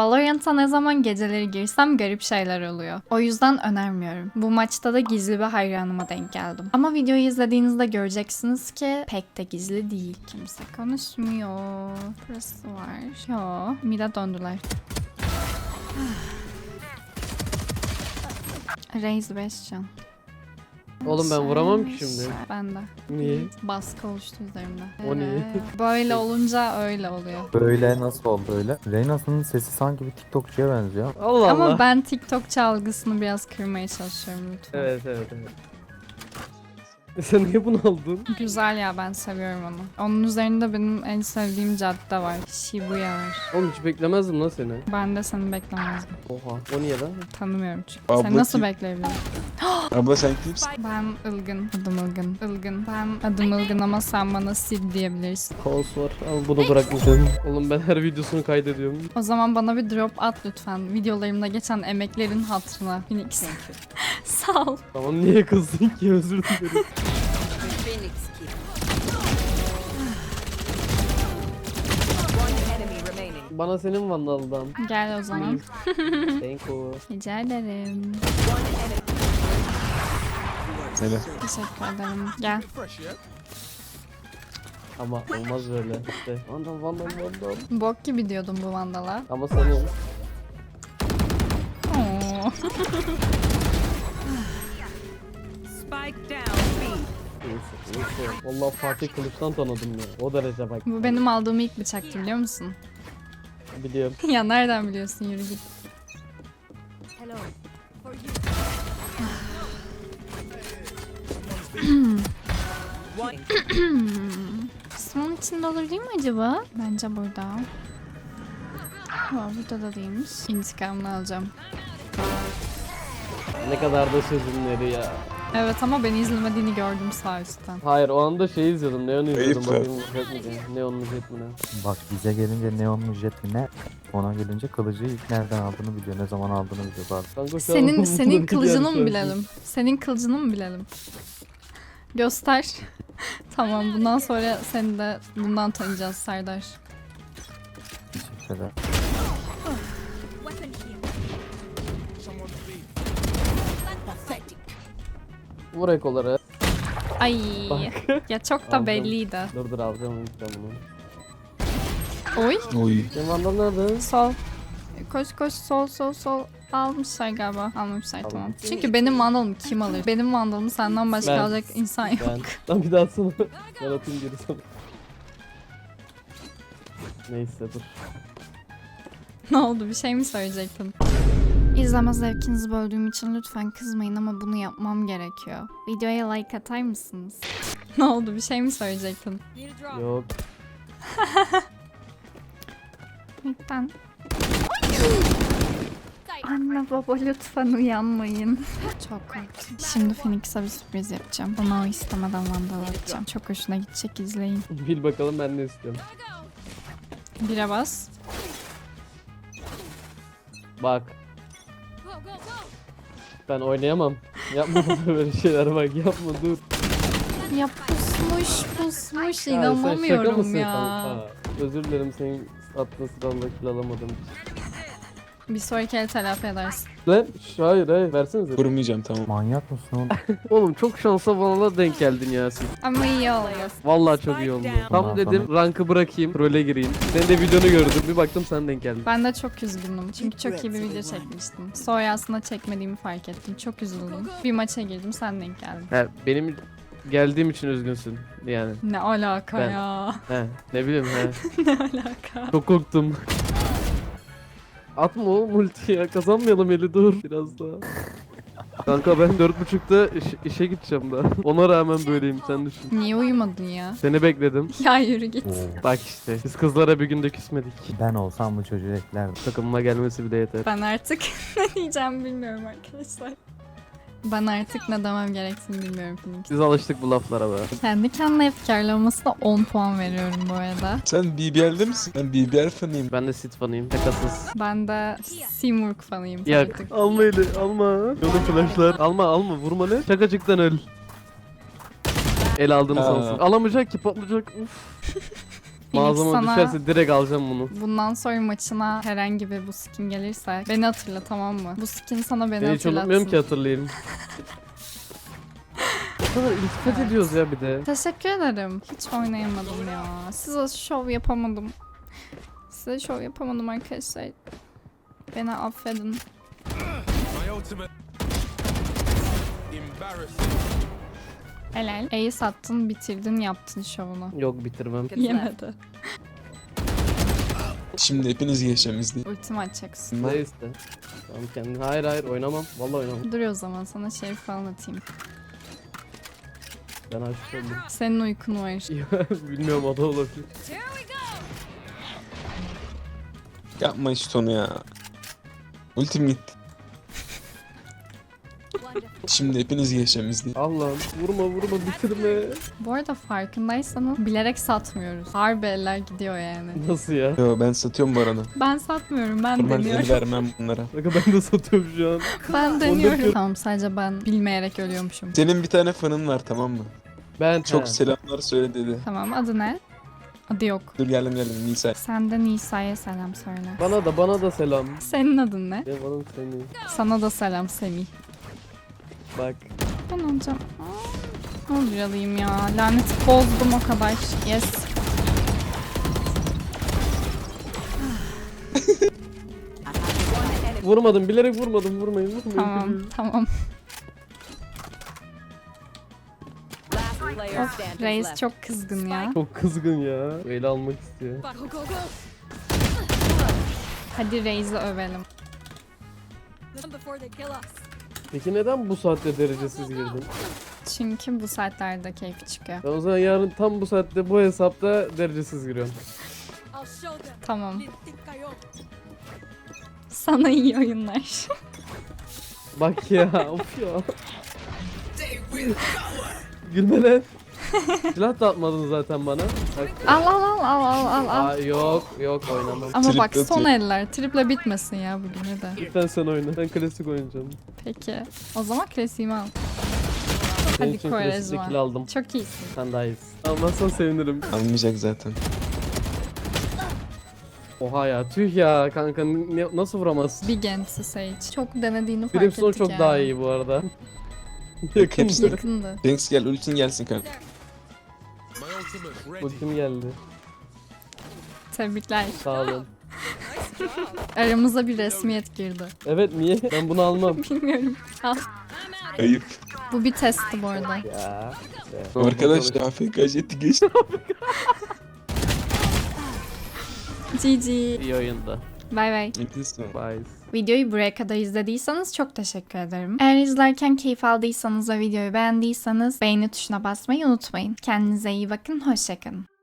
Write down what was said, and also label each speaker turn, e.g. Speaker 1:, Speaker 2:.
Speaker 1: Valorant'a ne zaman geceleri girsem garip şeyler oluyor. O yüzden önermiyorum. Bu maçta da gizli bir hayranıma denk geldim. Ama videoyu izlediğinizde göreceksiniz ki pek de gizli değil. Kimse konuşmuyor. Burası var. Yo, mid'e döndüler. Raze 5 can.
Speaker 2: Oğlum ben vuramam ki şimdi.
Speaker 1: Ben de.
Speaker 2: Niye?
Speaker 1: Baskı oluştu üzerimde.
Speaker 2: O niye?
Speaker 1: Böyle olunca öyle oluyor.
Speaker 3: Böyle nasıl oldu öyle? Reyna'sının sesi sanki bir TikTokçuya benziyor.
Speaker 2: Allah Allah.
Speaker 1: Ama ben TikTok çalgısını biraz kırmaya çalışıyorum lütfen.
Speaker 2: Evet. Sen niye bunu aldın?
Speaker 1: Güzel ya, ben seviyorum onu. Onun üzerinde benim en sevdiğim cadde var. Shibuya var.
Speaker 2: Oğlum hiç beklemezdim lan seni.
Speaker 1: Ben de seni beklemezdim.
Speaker 2: Oha. O niye lan?
Speaker 1: Tanımıyorum çünkü.
Speaker 4: Abla
Speaker 1: Sen nasıl
Speaker 4: kim?
Speaker 1: bekleyebilirim?
Speaker 4: Abla sen kimsin?
Speaker 1: Ben Ilgın. Adım Ilgın. Ilgın. Ben adım Ilgın ama sen bana Sid diyebilirsin.
Speaker 2: Kaos var. Al bunu bırakmayacağım. Oğlum ben her videosunu kaydediyorum.
Speaker 1: O zaman bana bir drop at lütfen. Videolarımda geçen emeklerin hatırına. Phoenix. Sağ ol.
Speaker 2: Tamam niye kızdın ki, özür dilerim.
Speaker 5: Phoenix kill. One enemy remaining.
Speaker 2: Bana senin vandaldan.
Speaker 1: Gel o zaman.
Speaker 2: Thank you.
Speaker 1: Rica ederim.
Speaker 4: Neden?
Speaker 1: Teşekkür ederim. Gel.
Speaker 2: Ama olmaz böyle. İşte. Vandal.
Speaker 1: Bok gibi diyordum bu vandala.
Speaker 2: Ama senin.
Speaker 1: Oo.
Speaker 5: Spike down B.
Speaker 2: Neyse. Vallahi Fatih Kılıç'tan tanıdım ya. O derece bak.
Speaker 1: Bu benim aldığım ilk bıçaktı, biliyor musun?
Speaker 2: Biliyorum.
Speaker 1: Ya nereden biliyorsun, yürü git.
Speaker 5: Hello. For you. One.
Speaker 1: Kısmın içinde olur değil mi acaba? Bence burada. Ha, burada da değilmiş. İntikamını alacağım.
Speaker 2: Ne kadar da sözümleri ya.
Speaker 1: Evet ama beni izlemediğini gördüm sağ üstten.
Speaker 2: Hayır o anda şey izliyordum. Neon izliyordum.
Speaker 4: Ayıp
Speaker 2: Bakayım jet mi diye. Neon jet mi ne?
Speaker 3: Bak bize gelince neon mu jet mi ne? Ona gelince kılıcı ilk nereden aldığını biliyor, ne zaman aldığını biliyor bazen.
Speaker 2: Kanka şu an
Speaker 1: Senin
Speaker 2: umurumda
Speaker 1: kılıcını
Speaker 2: değil
Speaker 1: mı
Speaker 2: yani.
Speaker 1: bilelim? Senin kılıcını mı bilelim? Göster. Tamam, bundan sonra seni de bundan tanıyacağız Serdar.
Speaker 3: Teşekkür ederim.
Speaker 2: Vur ekoları.
Speaker 1: Ay. Ya çok da
Speaker 2: Aldım.
Speaker 1: belliydi.
Speaker 2: Dur alacağım bunu.
Speaker 1: Oy.
Speaker 4: Oy.
Speaker 2: Senin vandal nerede?
Speaker 1: Sol. Koş sol. Almışlar galiba. Almamışlar, tamam.
Speaker 2: Aldım.
Speaker 1: Çünkü benim vandalımı kim alır? Benim vandalımı senden başka
Speaker 2: Ben.
Speaker 1: alacak insan yok.
Speaker 2: Ben. Lan bir daha atsana. Ben atayım geri sana. Neyse dur.
Speaker 1: Ne oldu? Bir şey mi söyleyecektin? İzleme zevkinizi böldüğüm için lütfen kızmayın ama bunu yapmam gerekiyor. Videoya like atar mısınız? Ne oldu? Bir şey mi söyleyecektin?
Speaker 5: Need a drop.
Speaker 2: Yok.
Speaker 1: Lütfen. Anne baba lütfen uyanmayın. Çok korktum. Şimdi Phoenix'e bir sürpriz yapacağım. Ona o istemeden vandal atacağım. Çok hoşuna gidecek, izleyin.
Speaker 2: Bil bakalım ben ne istiyorum.
Speaker 1: Bire bas.
Speaker 2: Bak. Ben oynayamam. Yapma böyle şeyler bak, yapma dur.
Speaker 1: Ya pusmuş
Speaker 2: Ya sen şaka
Speaker 1: inanamıyorum
Speaker 2: mısın
Speaker 1: ya.
Speaker 2: kanka? Özür dilerim senin attığın sıralda kill alamadım.
Speaker 1: Bir sonraki el telafi edersin.
Speaker 2: Lan hayır versenize.
Speaker 4: Vurmayacağım tamam.
Speaker 3: Manyak mısın oğlum?
Speaker 2: Oğlum çok şansa bana denk geldin Yasin.
Speaker 1: Ama iyi oldu.
Speaker 2: Vallahi çok iyi oldu. Tam
Speaker 3: Ondan
Speaker 2: dedim rankı bırakayım, trole gireyim. Senin de videonu gördüm. Bir baktım sen denk geldin.
Speaker 1: Ben de çok üzgündüm çünkü çok iyi bir video çekmiştim. Sonra aslında çekmediğimi fark ettim. Çok üzüldüm. Bir maça girdim, sen denk geldin.
Speaker 2: He, benim geldiğim için üzgünsün yani.
Speaker 1: Ne alaka
Speaker 2: Ben-
Speaker 1: ya?
Speaker 2: He, ne bileyim he.
Speaker 1: Ne alaka?
Speaker 2: Çok korktum. Atma o multi ya, kazanmayalım eli, dur biraz daha. Kanka ben 4.30'da işe gideceğim daha. Ona rağmen böyleyim, sen düşün.
Speaker 1: Niye uyumadın ya?
Speaker 2: Seni bekledim.
Speaker 1: Ya yürü git.
Speaker 3: Oo.
Speaker 2: Bak işte biz kızlara bir günde küsmedik.
Speaker 3: Ben olsam bu çocuğu eklerdim.
Speaker 2: Takımıma gelmesi bile yeter.
Speaker 1: Ben artık ne diyeceğim bilmiyorum arkadaşlar. Ben artık ne demem gerektiğini bilmiyorum Phoenix.
Speaker 2: Biz alıştık bu laflara be.
Speaker 1: Kendi kendine efkarlamasına 10 puan veriyorum bu arada.
Speaker 4: Sen BBL'de misin? Ben BBL fanıyım.
Speaker 2: Ben de sit fanıyım, şakasız.
Speaker 1: Ben de Simurg fanıyım
Speaker 2: Yak.
Speaker 1: artık.
Speaker 2: Alma eli, alma. Yolu flashlar. Alma, vurma ne? Şakacıktan öl. El aldığını
Speaker 4: Ha.
Speaker 2: sansın. Alamayacak ki, patlayacak. Uf. Mağazama
Speaker 1: sana-
Speaker 2: düşerse direkt alacağım bunu.
Speaker 1: Bundan sonra maçına herhangi bir bu skin gelirse beni hatırla, tamam mı? Bu skin sana beni
Speaker 2: Ben hiç unutmuyorum ki
Speaker 1: hatırlatsın.
Speaker 2: hatırlayayım. O kadar iltifat ediyoruz ya bir de.
Speaker 1: Teşekkür ederim. Hiç oynayamadım ya. Size şov yapamadım. Size şov yapamadım arkadaşlar. Beni affedin.
Speaker 6: My ultimate. Embarrassing.
Speaker 1: Helal. Ace sattın, bitirdin, yaptın şovunu.
Speaker 2: Yok bitirmem.
Speaker 1: Yemedi.
Speaker 4: Şimdi hepiniz geçeceğim izleyin.
Speaker 1: Ultimi açacaksın.
Speaker 2: Ne iste? Tamam kendin. Hayır oynamam. Vallahi oynamam.
Speaker 1: Dur o zaman sana şey falan atayım.
Speaker 2: Ben aşık oldum.
Speaker 1: Senin uykun var.
Speaker 2: Bilmiyorum o da olabilir.
Speaker 4: Yapma işte onu ya. Ultim gitti. Şimdi hepiniz geçeceğim izleyin.
Speaker 2: Allah'ım vurma bitirme.
Speaker 1: Bu arada farkındaysanız bilerek satmıyoruz. Harbi eller gidiyor yani.
Speaker 2: Nasıl ya?
Speaker 4: Yo ben satıyorum bu arada.
Speaker 1: Ben satmıyorum, ben
Speaker 4: Normal el
Speaker 1: deniyorum.
Speaker 4: vermem bunlara.
Speaker 2: Bakın ben de satıyorum şu an.
Speaker 1: Ben deniyorum. Tamam, sadece ben bilmeyerek ölüyormuşum.
Speaker 4: Senin bir tane fanın var tamam mı?
Speaker 2: Ben
Speaker 4: Çok selamlar söyle dedi.
Speaker 1: Tamam, adı ne? Adı yok.
Speaker 4: Dur geldim Nisa.
Speaker 1: Sen de Nisa'ya selam söyle.
Speaker 2: Bana da selam.
Speaker 1: Senin adın ne?
Speaker 2: Benim adım Semih.
Speaker 1: Sana da selam Semih.
Speaker 2: Bak.
Speaker 1: Ben olacağım. Ne olur alayım ya. Laneti bozdum o kadar. Yes.
Speaker 2: Vurmadım bilerek vurmadım vurmayın.
Speaker 1: Tamam, tamam.
Speaker 5: Last player
Speaker 1: Of,
Speaker 5: standing
Speaker 1: Reis
Speaker 5: left.
Speaker 1: çok kızgın ya.
Speaker 2: Çok kızgın ya. Öyle almak istiyor.
Speaker 1: Hadi Reis'i övelim.
Speaker 2: Peki neden bu saatte derecesiz girdin?
Speaker 1: Çünkü bu saatlerde keyfi çıkıyor.
Speaker 2: Ben o zaman yarın tam bu saatte bu hesapta derecesiz giriyorum.
Speaker 1: Tamam. Sana iyi oyunlar.
Speaker 2: Bak ya of ya. Gülme lan. Silah da atmadın zaten bana. Bak.
Speaker 1: Al al al al al al al.
Speaker 2: Aa, yok oynamam.
Speaker 1: Ama bak
Speaker 4: Triple
Speaker 1: son
Speaker 4: atıyor.
Speaker 1: eller. Triple bitmesin ya bugün hadi.
Speaker 2: Lütfen sen oyna. Ben klasik oynayacağım.
Speaker 1: Peki. O zaman klasiğimi al.
Speaker 2: Senin
Speaker 1: Hadi
Speaker 2: için
Speaker 1: Kovarejma.
Speaker 2: klasikle kill aldım.
Speaker 1: Çok iyisin.
Speaker 2: Sen daha iyisin. Almazsan sevinirim.
Speaker 4: Almayacak zaten.
Speaker 2: Oha ya tüh ya kanka nasıl vuramazsın?
Speaker 1: Big Ent'si Sage. Çok denediğini fark
Speaker 2: Brimstone
Speaker 1: ettik
Speaker 2: çok
Speaker 1: yani.
Speaker 2: daha iyi bu arada.
Speaker 4: Hepsi-
Speaker 1: Yakındı.
Speaker 4: Thanks gel ultin gelsin kanka.
Speaker 6: My ultimate ready.
Speaker 2: Ultim geldi.
Speaker 1: Tebrikler.
Speaker 2: Sağ olun.
Speaker 1: Aramıza bir resmiyet girdi.
Speaker 2: Evet niye? Ben bunu almam.
Speaker 1: Bilmiyorum. Al.
Speaker 4: Ayıp.
Speaker 1: Bu bir testti bu arada.
Speaker 2: Ya.
Speaker 4: Arkadaşlar AFK jeti geçti.
Speaker 1: GG.
Speaker 2: İyi oyunda.
Speaker 1: Bay bay.
Speaker 2: Bye.
Speaker 1: Videoyu buraya kadar izlediyseniz çok teşekkür ederim. Eğer izlerken keyif aldıysanız ve videoyu beğendiyseniz beğeni tuşuna basmayı unutmayın. Kendinize iyi bakın, hoşça kalın.